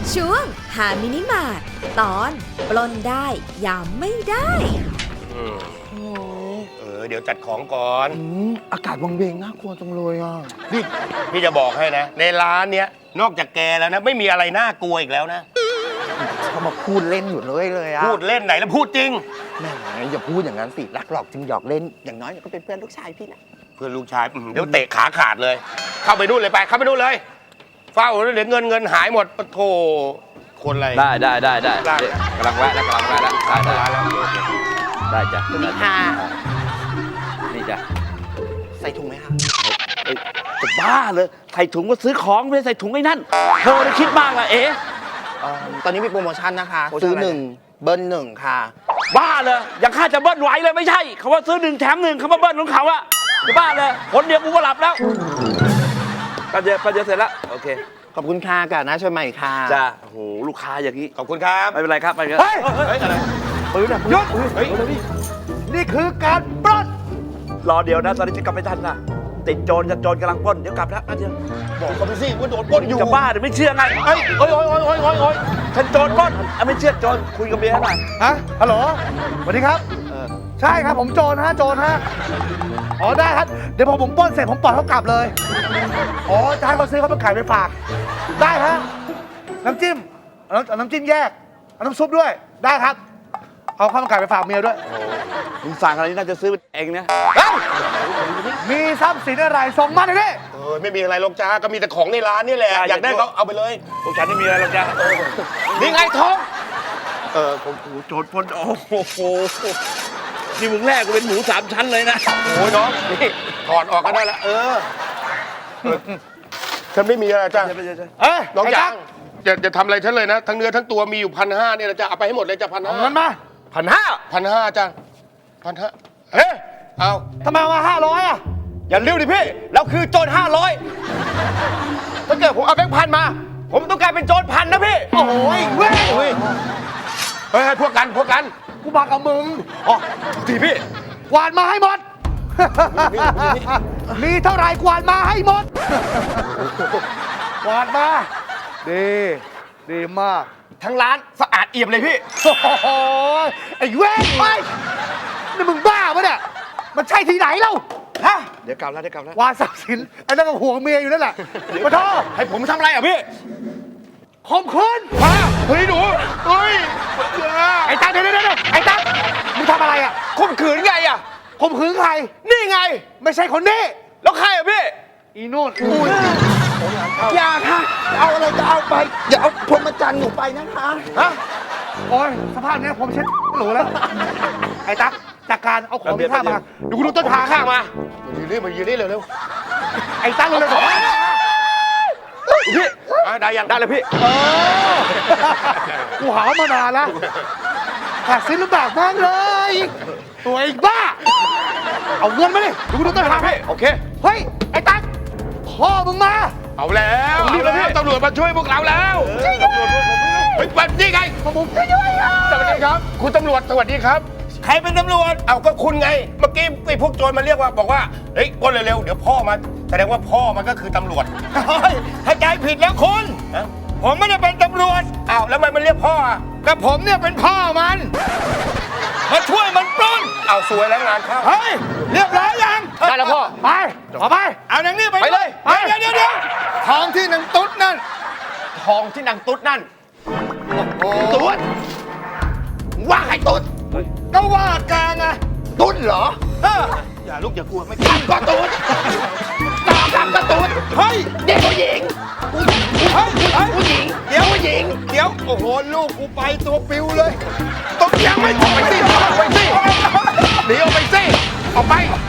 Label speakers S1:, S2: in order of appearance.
S1: ช่วงหามินิมาร์ทตอนปล้นได้ยามไม่ได้
S2: เดี๋ยวจัดของก่อน
S3: อากาศวังเวงน่ากลัวจังเลยอ่ะ
S2: นี่พี่จะบอกให้นะ ในร้านเนี้ยนอกจากแกแล้วนะไม่มีอะไรน่ากลัวอีกแล้วนะ
S3: เขามาพูดเล่นอยู่เลยอ่ะ
S2: พูดเล่นไหนแล้วพูดจริง
S3: แหมอย่าพูดอย่างนั้นสิรักหลอกจึงหยอกเล่นอย่างน้อยก็เป็นเพื่อนลูกชายพี่นะ
S2: เพื่อนลูกชายเดี๋ยวเตะขาขาดเลย เข้าไปนู่นเลยไปเข้าไปนู่นเลยเฝ้าเดี๋ยวเงินหายหมดโธ่คนอะไร
S4: ได้
S2: ได้
S4: กำลังแวะแล้วได้จ้ะ
S3: นี่ค่ะ
S4: นี่จ้ะ
S3: ใส่ถุงไหมคะ
S4: จะบ้าเลยใส่ถุงก็ซื้อของไม่ได้ใส่ถุงไอ้นั่นเธอได้คิดมากละเอ๋
S3: ตอนนี้มีโปรโมชั่นนะคะ
S4: โปรโมชั่น
S3: ซื้อ
S4: อะไร
S3: 1เบิ้ล1ค่ะ
S4: บ้าเลยอย่างข้าจะเบิ้ลไหวเลยไม่ใช่เขาว่าซื้อ1 แถม 1เขามาเบิ้ลของเขาอะจะบ้าเลยคนเดียวกูก็หลับแล้วแป๊บเดียวเสร็จแล้วโอเค
S3: ขอบคุณค่ะกับน้าชวนใหม่ค่ะ
S4: จ้าโอ้โหลูกค้าอย่างนี้
S2: ขอบคุณครับ
S4: ไม่เป็นไรครับไม่เป็นไร
S3: เฮ้ย
S2: เฮ้ยอะไร
S4: ปืนอะ
S3: หยุด
S2: เฮ้ย
S3: นี่คือการปล้น
S4: รอเดี๋ยวนะตอนนี้จะกลับไม่ทันนะติดโจรกำลังปล้นเดี๋ยวกลับแล้วนะเดี๋ยว
S2: บอกเขาไปสิว่าโดนปล้นอยู่
S4: จะบ้าหรือไม่เชื่อไงเอ้ยโอ้ยฉันโจรปล้นไม่เชื่อโจรคุยกับเมียหน่อย
S5: ฮะฮัลโหลสวัสดีครับ ใช่ครับผมโจรฮะอ๋อได้ครับ เดี๋ยวพอผมปล้นเสร็จผมปล่อยเขากลับเลย อ๋อจะให้เขาซื้อเขาไปขายไปฝาก ได้ฮะ น้ำจิ้มเอาน้ำจิ้มแยก เอาน้ำซุปด้วย ได้ครับ เอาข้าวมันไก่ไปฝากเมียด้วย
S4: มึงสั่งอะไรนี่น่าจะซื้อเองนะ
S5: เอ้ามีทรัพย์สินอะไรส่งมาหน่อยดิ
S2: ไม่มีอะไรหรอกจ้าก็มีแต่ของในร้านนี่แหละอยากได้ก็เอาไปเลย
S4: พวกฉันไม่มีอะไรหรอกจ้ะ
S2: นี่ไงทอง
S4: ผมโจรปล้นโอ้โหนี่มึงแรกกูเป็นหมู3 ชั้นเลยนะ
S2: โอ้ยน้องนี่ถอดออกก็ได้ละฉันไม่มีอะไรจ้า
S5: เอ้ย
S2: น้อง
S5: ไอ้
S2: จ๋า
S5: จัก
S2: จะทำอะไรฉันเลยนะทั้งเนื้อทั้งตัวมีอยู่1,500เนี่ยนะจ้าเอาไปให้หมดเลยจ้า1,500
S5: เอาเงินมา
S2: 1,500จ้า1,500เฮ้ยเอา
S5: ทำไมเอามา500อ่ะ
S2: อย่าเลี้ยวดิพี่เราคือโจร500ถ้าเกิดผมเอาแบงค์พันมา ผมต้องกลายเป็นโจร1,000นะพี่
S5: โอ้ยเว้ย
S2: เฮ้ยพวกกัน
S5: กูมากับมึง
S2: อ๋อทีพี่
S5: กวาดมาให้หมด มีเท่าไหร่กวาดมาให้หมด กวาดมา ดีมาก
S2: ทั้งร้านสะอาดเอี่ยมเลยพี่
S5: โอ้โหไอ้เว้ยไปนี่มึงบ้าปะเนี่ย มันใช่ที่ไหนเล่า ฮะ
S4: เดี๋ยวกลับแล้ว
S5: วาดทรัพย์สินไอ้นั่นก็ห่วงเมียอยู่นั่นแหละปะโท
S2: ให้ผมทำอะไรอ่ะพี่
S5: ข่มขืน
S2: เฮ้ยหนูเฮ้ย
S5: ไอ้ตั๊กเดี๋ยวไอ้ตั๊กมึงทำอะไรอ่ะ
S2: ข่มขืนไงอ่ะ
S5: ข่มขืนใคร
S2: นี่ไง
S5: ไม่ใช่คนนี้
S2: แล้วใครอ่ะพี่
S5: อีนู่น
S3: อย่าค่ะ เอาอะไรก็เอาไป อย่าเอาพรหมจรรย์หนูไปนะคะ
S5: ฮะโอ้ยสภาพเนี้ยผมเช็ดหนูแล้ว ไอ้ตั๊กจากการเอาของมีค่ามาเดี๋ยวกูดูต้นทาง
S2: ข้างมามายืนนี่เร็ว
S5: ไอ้ตั๊กเร็วๆ
S2: พี่ได้ยังได้เลยพี่
S5: กูหามานานแล้วแต่ซื้อลำบากมากเลยตัวไอ้บ้า เอาเงินมาดิเดี๋ยวกูดูต้นทางให้
S2: โอเค
S5: เฮ้ย ไอ้ตั๊กพ่อมึงมา
S2: เอาแล้วตำรวจมาช่วยพวกเราแล้วเฮ้ยวันนี้ไง
S5: ผมช่วยด้วยอ่ะ
S2: สวัสดีครับ คุณตำรวจสวัสดีครับ ใครเป็นตำรวจเอาก็คุณไง เมื่อกี้ไอ้พวกโจรมาเรียกว่าบอกว่าเฮ้ยก้นเร็วๆเดี๋ยวพ่อมาแสดงว่าพ่อมันก็คือตำรวจเข้าใจผิดแล้วคุณผมไม่ได้เป็นตำรวจอ้าวแล้วทำไมมันเรียกพ่ออ่ะก็ผมเนี่ยเป็นพ่อมันมาช่วยมันปล้นเอาสวยแล้วงานเข้า
S5: เฮ้ย เรียบร้อยยัง
S2: ได้แล้วพ่อ
S5: ไปขอไป
S2: เอานางนี่ไปเลย
S5: ไปเดี๋ยวทองที่นางตุ๊ดนั่น
S2: ทองที่นางตุ๊ดนั่นตุ๊ดว่าใครตุ๊ด
S5: ก็ว่าแกไง
S2: ตุ๊ดเหรออย่าลูกอย่ากลัวไม่กลัวก็ตุ๊ดตามก็ตุ๊ดเฮ้ยเด็กผู้หญิงผู้หญิงเดี๋ยวผู้หญิงเดี๋ยวโอ้โหลูกกูไปตัวปิวเลยต้องยังไม่ออกไปสิออกไปสิหนีออกไปสิออกไป